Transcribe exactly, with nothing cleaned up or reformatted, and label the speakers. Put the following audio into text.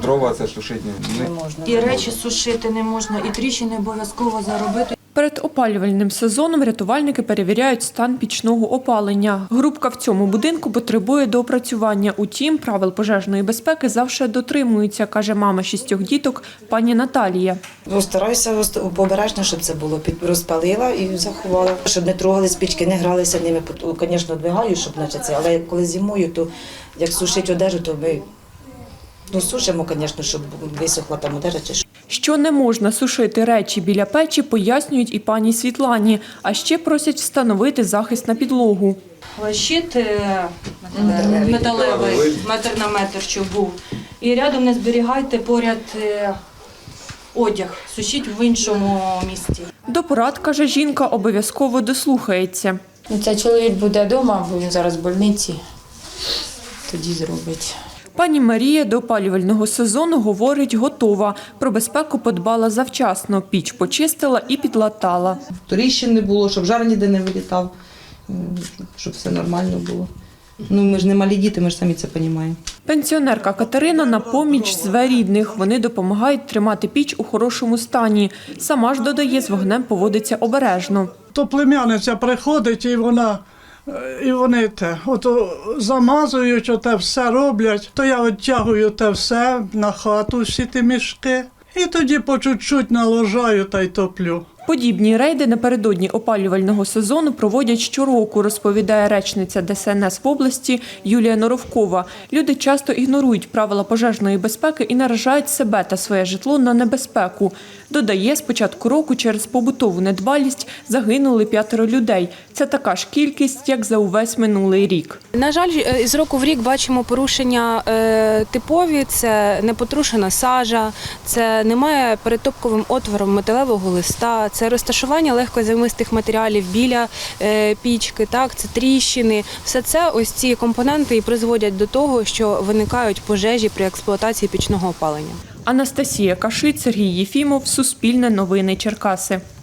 Speaker 1: дрова це сушити не,
Speaker 2: Не можна.
Speaker 3: І речі сушити не можна, і тріщини обов'язково заробити.
Speaker 4: Перед опалювальним сезоном рятувальники перевіряють стан пічного опалення. Групка в цьому будинку потребує доопрацювання. Утім, правил пожежної безпеки завжди дотримуються, каже мама шістьох діток пані Наталія.
Speaker 2: Ну, стараюся обережно, щоб це було. Під- Розпалила і заховала. Щоб не трогали спички, не гралися ними. Звісно, двигаю, щоб наче це. Але коли зимою, то як сушить одежу, то ми ну, сушимо, звісно, щоб висохла там одежа чи що.
Speaker 4: Що не можна сушити речі біля печі, пояснюють і пані Світлані. А ще просять встановити захист на підлогу.
Speaker 3: Щит е, металевий, метр на метр, щоб був. І рядом не зберігайте поряд е, одяг, сушіть в іншому місці.
Speaker 4: До порад, каже жінка, обов'язково дослухається.
Speaker 5: Ну, це чоловік буде вдома, бо він зараз в больниці, тоді зробить.
Speaker 4: Пані Марія до опалювального сезону, говорить, готова. Про безпеку подбала завчасно. Піч почистила і підлатала.
Speaker 6: Тріщин не було, щоб жар ніде не вилітав, щоб все нормально було. Ну, ми ж не малі діти, ми ж самі це розуміємо.
Speaker 4: Пенсіонерка Катерина на поміч зве рідних. Вони допомагають тримати піч у хорошому стані. Сама ж, додає, з вогнем поводиться обережно.
Speaker 7: То племянниця приходить і вона, і вони те, ото замазують, оте все роблять, то я відтягую те все на хату, всі ті мішки, і тоді по чуть-чуть наложаю та й топлю.
Speaker 4: Подібні рейди напередодні опалювального сезону проводять щороку, розповідає речниця Де Се Ен Ес в області Юлія Норовкова. Люди часто ігнорують правила пожежної безпеки і наражають себе та своє житло на небезпеку. Додає, з початку року через побутову недбалість загинули п'ятеро людей. Це така ж кількість, як за увесь минулий рік.
Speaker 8: На жаль, з року в рік бачимо порушення е, типові, це непотрушена сажа, це немає перед топковим отвором металевого листа, це розташування легкозаймистих матеріалів біля е, пічки, так, це тріщини. Все це, ось ці компоненти і призводять до того, що виникають пожежі при експлуатації пічного опалення.
Speaker 4: Анастасія Кашит, Сергій Єфімов, Суспільне новини Черкаси.